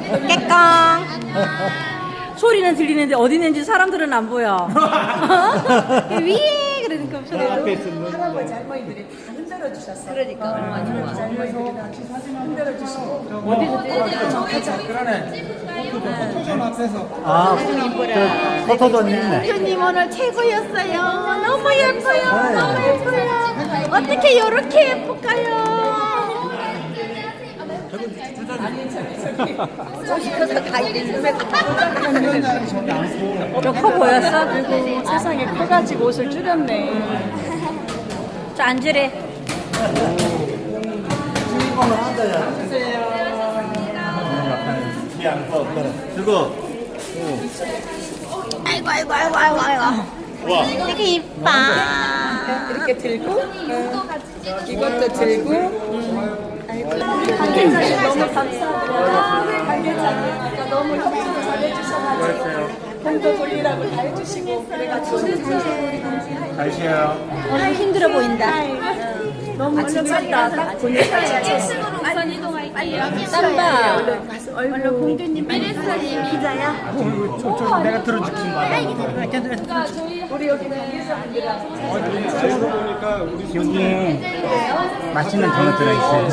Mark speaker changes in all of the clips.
Speaker 1: 깨깡. 소리는 들리는데 어디 있는지 사람들은 안 보여. 위에 그러니까 소리도.
Speaker 2: 할아버지 할머니들이 다 흔들어 주셨어요. 그러니까 할아버지 할머니들이 다 흔들어 주시고
Speaker 3: 포토존 앞에서
Speaker 4: 아, 포토존 있네.
Speaker 1: 대표님 오늘 최고였어요. 너무 예뻐요. 너무 예뻐요. 어떻게 이렇게 예쁠까요? 좀 커 보였어?
Speaker 2: 그리고 세상에 커가지고 옷을 줄였네.
Speaker 1: 저 앉으래.
Speaker 4: 주인공은 앉아야 그리고
Speaker 1: 아이고 아이고 아이고 아이고 아이고. 되게 이뻐.
Speaker 2: 이렇게 들고 이것도 들고 관계자님 너무 감사합니다. 관계자님 아까 너무 협조 잘해주셔가지고 공도 돌리라고 다 해주시고 그래가지고
Speaker 4: 잘 쉬어요.
Speaker 1: 오늘 힘들어 보인다.
Speaker 2: 너무 지쳤다. 딱 보니까
Speaker 5: 우선 이동할게요.
Speaker 1: 땀봐.
Speaker 2: 얼른 공주님 기자야.
Speaker 4: 내가 들어줄게.
Speaker 2: 우리 여기 관계자분들하고
Speaker 4: 여기 맛있는 도넛 들어있어요.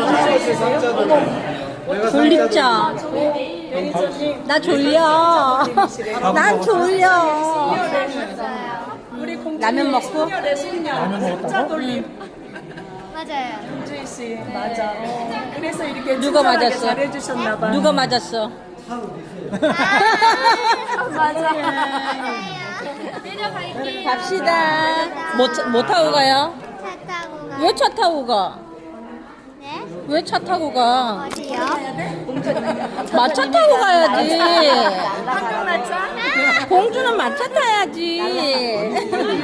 Speaker 1: 졸립죠? 나 졸려. 난 졸려.
Speaker 2: 우리 공주님
Speaker 1: 라면 먹고?
Speaker 2: 숙녀래 숙녀. 숫자 돌림.
Speaker 5: 맞아요.
Speaker 2: 공주희 씨 맞아. 그래서 이렇게
Speaker 1: 누가
Speaker 2: 친절하게
Speaker 1: 맞았어?
Speaker 2: 잘해주셨나봐.
Speaker 1: 누가 맞았어?
Speaker 2: 맞아.
Speaker 5: 내려갈게요.
Speaker 1: 갑시다. 뭐 타고 가요?
Speaker 5: 차 타고 가.
Speaker 1: 왜 차 타고 가?
Speaker 5: 네?
Speaker 1: 왜 차 타고 가?
Speaker 5: 어디요?
Speaker 1: 마차 타고 가야지.
Speaker 2: 한국마차?
Speaker 1: 공주는 마차 타야지.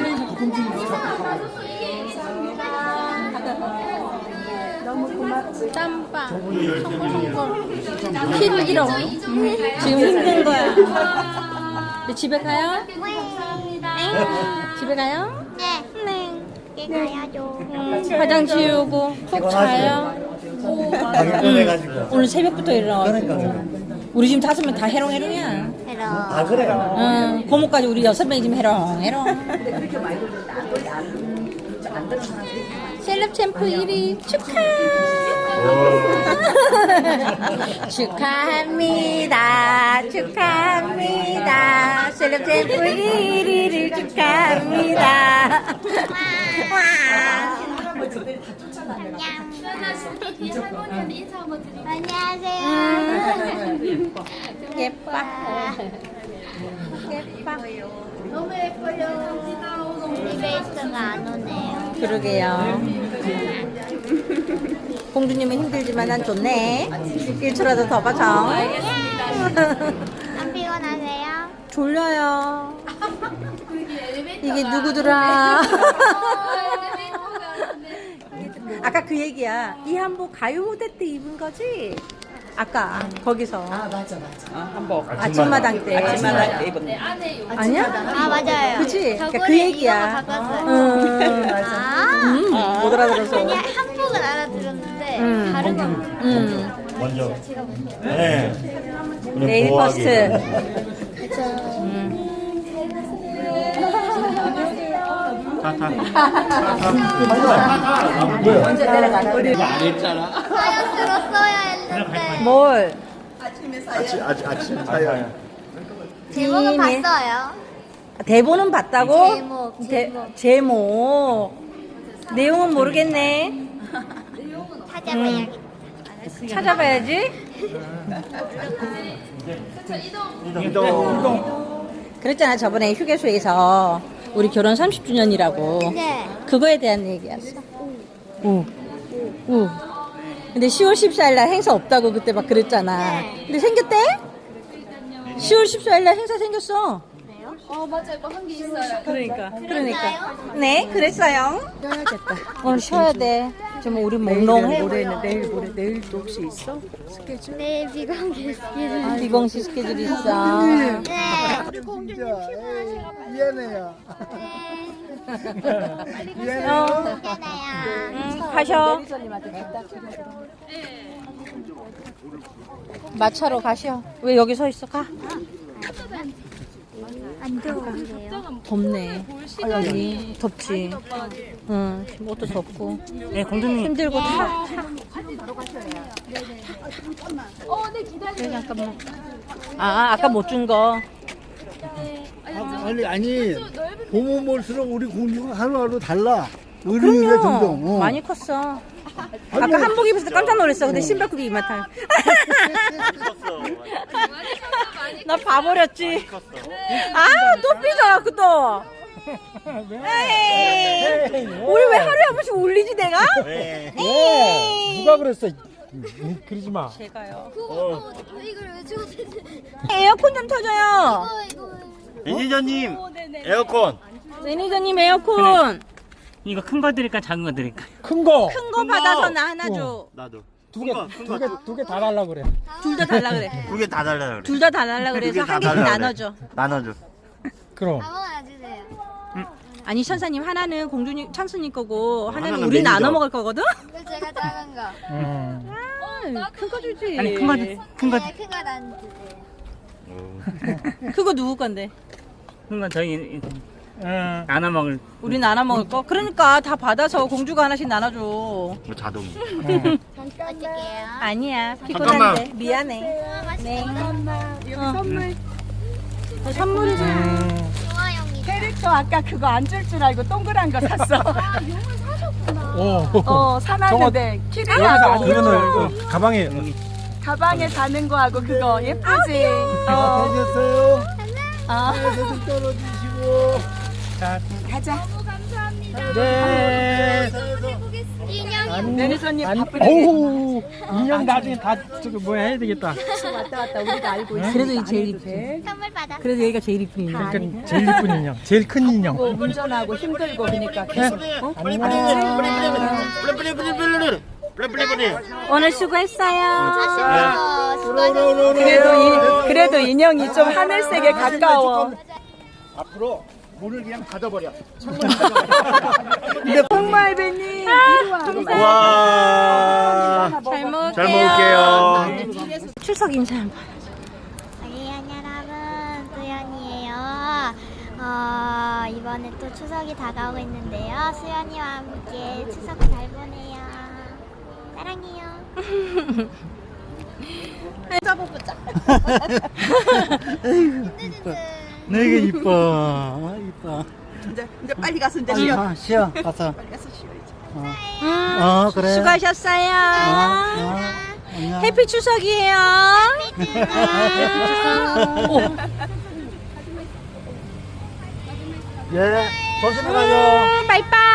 Speaker 2: 너무 고맙지.
Speaker 1: 땀바. 힘들어. 지금 힘든 거야. 이제 집에 가요? 집에 가요?
Speaker 5: 네. 네. 가야죠.
Speaker 1: 화장 지우고 푹 자요.
Speaker 4: 가게 꺼내가지고.
Speaker 1: 오늘 새벽부터 일어나가지고.
Speaker 4: 그러니까.
Speaker 1: 우리 지금 5명 다 해롱해롱이야.
Speaker 5: 해로.
Speaker 4: 아, 그래.
Speaker 1: 응, 고모까지 우리 6명이 지금 해롱해롱. 셀럽 챔프 1위 축하! 축하합니다. 축하합니다. 셀럽 챔프 1위를 축하합니다. 와!
Speaker 5: 할머니한테 인사 한번 드릴게요. 안녕하세요.
Speaker 1: 예뻐. 예뻐.
Speaker 5: 너무 예뻐요. 리베이스가 안 오네요.
Speaker 1: 그러게요. 공주님은 힘들지만 난 좋네. 1초라도 더 봐줘.
Speaker 5: 안 피곤하세요?
Speaker 1: 졸려요. 이게 누구더라? 아까 그 얘기야. 이 한복 가요 무대 때 입은 거지? 아까 거기서
Speaker 2: 한복.
Speaker 1: 아침마당 때.
Speaker 2: 아침마당 때 입은.
Speaker 1: 아니야?
Speaker 5: 아, 맞아요.
Speaker 1: 그치?
Speaker 5: 저번에
Speaker 1: 그 얘기야.
Speaker 5: 이거가 바꿨어요.
Speaker 1: 못 알아들어서.
Speaker 5: 아니, 한복은 알아들었는데, 다른 건.
Speaker 4: 먼저. 네. 우리
Speaker 1: 네일
Speaker 4: 보호하기.
Speaker 1: 퍼스트.
Speaker 2: 먼저 내려가라. 우리
Speaker 5: 사연 들었어야 했는데.
Speaker 1: 뭘?
Speaker 4: 아침 사연.
Speaker 5: 제목은 봤어요.
Speaker 1: 대본은 봤다고?
Speaker 5: 제목,
Speaker 1: 제목. 내용은 모르겠네.
Speaker 5: 찾아봐야겠다.
Speaker 1: 찾아봐야지.
Speaker 4: 이동.
Speaker 1: 그랬잖아, 저번에 휴게소에서 우리 결혼 30주년이라고.
Speaker 5: 네.
Speaker 1: 그거에 대한 얘기였어. 오. 오. 근데 10월 14일 날 행사 없다고 그때 막 그랬잖아. 근데 생겼대? 10월 14일 날 행사 생겼어.
Speaker 5: 맞아요. 뭐 한 게 있어요.
Speaker 1: 그러니까. 네, 그랬어요.
Speaker 2: 쉬어야겠다.
Speaker 1: 오늘 쉬어야 돼. 지금 우리 몽롱해.
Speaker 2: 내일도 혹시 있어? 스케줄?
Speaker 5: 내일 비공개 스케줄.
Speaker 1: 비공식 스케줄 있어.
Speaker 5: 네.
Speaker 3: 우리 공주님 피곤하시가 미안해요.
Speaker 5: 미안해요.
Speaker 1: 가셔.
Speaker 2: 매니저님한테 갖다 드려.
Speaker 1: 마차로 가시오. 왜 여기 서 있어? 가.
Speaker 5: 안 더워요.
Speaker 1: 덥네. 아니, 덥지. 응, 옷도 덥고.
Speaker 4: 네, 공주님.
Speaker 1: 힘들고 타. 네, 잠깐만. 아, 아까 못 준 거.
Speaker 3: 아니 보면 볼수록 우리 공주가 하루하루 달라. 어른이가 점점.
Speaker 1: 그럼요. 많이 컸어. 아까 한복 입었을 때 깜짝 놀랐어. 근데 신발굽이 이만큼. 나 봐버렸지. 아, 또 삐져, 또. 에이, 우리 왜 하루에 한 번씩 울리지, 내가?
Speaker 4: 네.
Speaker 1: 에이.
Speaker 6: 누가 그랬어? 그러지 마.
Speaker 1: 제가요.
Speaker 5: 이걸 왜 주고
Speaker 1: 에어컨 좀 터져요.
Speaker 5: 이거.
Speaker 4: 매니저님, 에어컨.
Speaker 1: 매니저님 에어컨.
Speaker 7: 이거 큰 거 드릴까 작은 거 드릴까?
Speaker 6: 큰 거.
Speaker 1: 큰 거 받아서 나 하나 줘.
Speaker 4: 나도.
Speaker 6: 두 개 다 달라 그래.
Speaker 1: 둘 다 달라 그래.
Speaker 4: 두 개 다 달라 그래.
Speaker 1: 둘 다 달라 그래서
Speaker 4: 두개다
Speaker 1: 한 개씩
Speaker 4: 달라 그래.
Speaker 1: 나눠줘.
Speaker 4: 나눠줘.
Speaker 6: 그럼.
Speaker 5: 아무거나 주세요.
Speaker 1: 아니 천사님 하나는 공주님 찬수님 거고 하나는
Speaker 4: 하나는
Speaker 1: 우리
Speaker 4: 매니저.
Speaker 1: 나눠 먹을 거거든?
Speaker 5: 그 제가 작은 거.
Speaker 1: 큰 거 주지.
Speaker 7: 아니 큰 거
Speaker 5: 네, 큰거 난 주세요.
Speaker 1: 그거 누구 건데?
Speaker 7: 큰 거 저희 나눠 먹을.
Speaker 1: 우리 나눠 먹을 거? 그러니까 다 받아서 공주가 하나씩 나눠줘.
Speaker 4: 이거 자동.
Speaker 5: 어떡해요?
Speaker 1: 아니야
Speaker 4: 잠깐만.
Speaker 1: 피곤한데 미안해. 네.
Speaker 2: 선물
Speaker 1: 선물이잖아.
Speaker 5: 좋아요입니다.
Speaker 2: 캐릭터 아까 그거 안 줄 줄 알고 동그란 거 샀어.
Speaker 6: 오.
Speaker 2: 사놨는데
Speaker 6: 여기서
Speaker 2: 키링하고
Speaker 6: 안 이거는 가방에.
Speaker 2: 가방에 다는 거하고 그거 예쁘지?
Speaker 3: 되셨어요?
Speaker 1: 아.
Speaker 3: 에서 좀 떨어지시고.
Speaker 2: 가자.
Speaker 6: 네.
Speaker 5: 인형이
Speaker 2: 매니저님 바쁘게
Speaker 6: 어우. 인형 나중에 다 저기 뭐 해야 되겠다.
Speaker 2: 왔다 갔다 우리가 알고 있어.
Speaker 1: 그래도 이 제일 이쁘지.
Speaker 5: 선물 받았어.
Speaker 1: 그래도 얘가 제일 이쁜 인간.
Speaker 6: 그러니까 제일 이쁜 인형. 제일 큰 인형.
Speaker 2: 운전하고 힘들고 그러니까 계속
Speaker 4: 플레플레플레플레.
Speaker 1: 오늘 수고했어요.
Speaker 2: 그래도 인형이 좀 하늘색에 가까워.
Speaker 4: 앞으로 문을 그냥 닫아버려.
Speaker 2: 홍말배님
Speaker 4: 와.
Speaker 1: 잘 먹을게요.
Speaker 4: 잘 먹을게요.
Speaker 1: 출석 인사 한번.
Speaker 5: 여러분, 수연이에요. 이번에 또 추석이 다가오고 있는데요. 수연이와 함께 추석 잘 보내요. 사랑해요.
Speaker 4: 내게 이뻐. 이뻐.
Speaker 2: 이제 빨리 가서 이제 쉬어.
Speaker 4: 쉬어. 가서. 그래.
Speaker 1: 수고하셨어요.
Speaker 4: 안녕.
Speaker 1: 해피 추석이에요.
Speaker 4: 예. 조심히 가요.
Speaker 1: 바이바이.